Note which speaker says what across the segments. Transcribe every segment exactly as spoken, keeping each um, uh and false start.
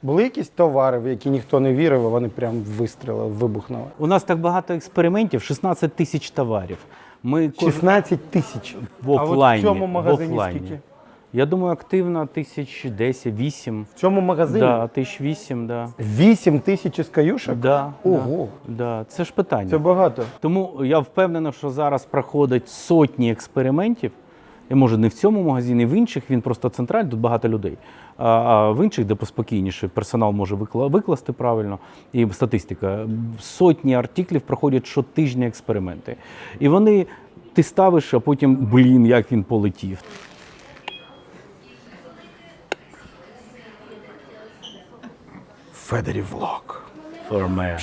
Speaker 1: Були якісь товари, в які ніхто не вірив, а вони прям вистрілили, вибухнули?
Speaker 2: У нас так багато експериментів, шістнадцять тисяч товарів. Ми кож-
Speaker 1: шістнадцять тисяч.
Speaker 2: в
Speaker 1: А от
Speaker 2: офлайні.
Speaker 1: в цьому
Speaker 2: в
Speaker 1: магазині
Speaker 2: офлайні.
Speaker 1: скільки?
Speaker 2: Я думаю, активно тисяч десять, вісім.
Speaker 1: В цьому магазині?
Speaker 2: Да, тисяч вісім, да.
Speaker 1: вісім тисяч ескаюшок?
Speaker 2: Да,
Speaker 1: Ого.
Speaker 2: Да, да. Це ж питання.
Speaker 1: Це багато.
Speaker 2: Тому я впевнений, що зараз проходять сотні експериментів. І може не в цьому магазині, в інших він просто центральний, тут багато людей. А, а в інших, де поспокійніше, персонал може викла- викласти правильно, і статистика. Сотні артиклів проходять щотижня експерименти. І вони ти ставиш, а потім, блін, як він полетів.
Speaker 1: Федерів влог.
Speaker 2: Форме.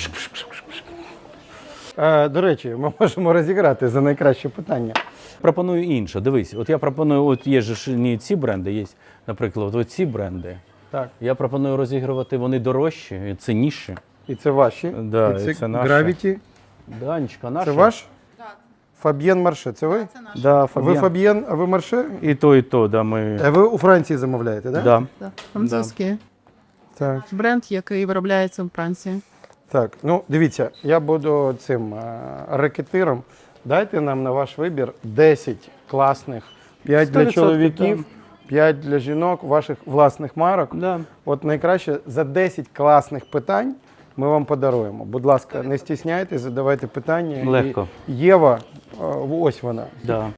Speaker 1: Е, до речі, ми можемо розіграти за найкраще питання.
Speaker 2: Пропоную інше. Дивись, от я пропоную, от є ж не ці бренди, є, наприклад, от ці бренди.
Speaker 1: Так.
Speaker 2: Я пропоную розігрувати, вони дорожчі і цінніші.
Speaker 1: І це ваші.
Speaker 2: Да,
Speaker 1: і це,
Speaker 2: і це наші.
Speaker 1: Gravity.
Speaker 2: Данечка, наша.
Speaker 1: Це ваш? Фаб'єн Марше, це ви?
Speaker 2: Да,
Speaker 1: Ви
Speaker 2: Фаб'єн.
Speaker 1: Фаб'єн, а ви Марше?
Speaker 2: І то, і то, да, ми...
Speaker 1: А ви у Франції замовляєте, так?
Speaker 2: Да.
Speaker 3: Так, французький
Speaker 1: Так.
Speaker 3: бренд, який виробляється в Франції.
Speaker 1: Так, ну дивіться, я буду цим е, рекетиром. Дайте нам на ваш вибір десять класних, п'ять
Speaker 2: сто
Speaker 1: для
Speaker 2: відсотків,
Speaker 1: чоловіків, п'ять для жінок, ваших власних марок.
Speaker 2: Да.
Speaker 1: От найкраще за десять класних питань ми вам подаруємо. Будь ласка, не стісняйтесь, задавайте питання.
Speaker 2: Легко.
Speaker 1: І Єва, е, ось вона.
Speaker 2: Да.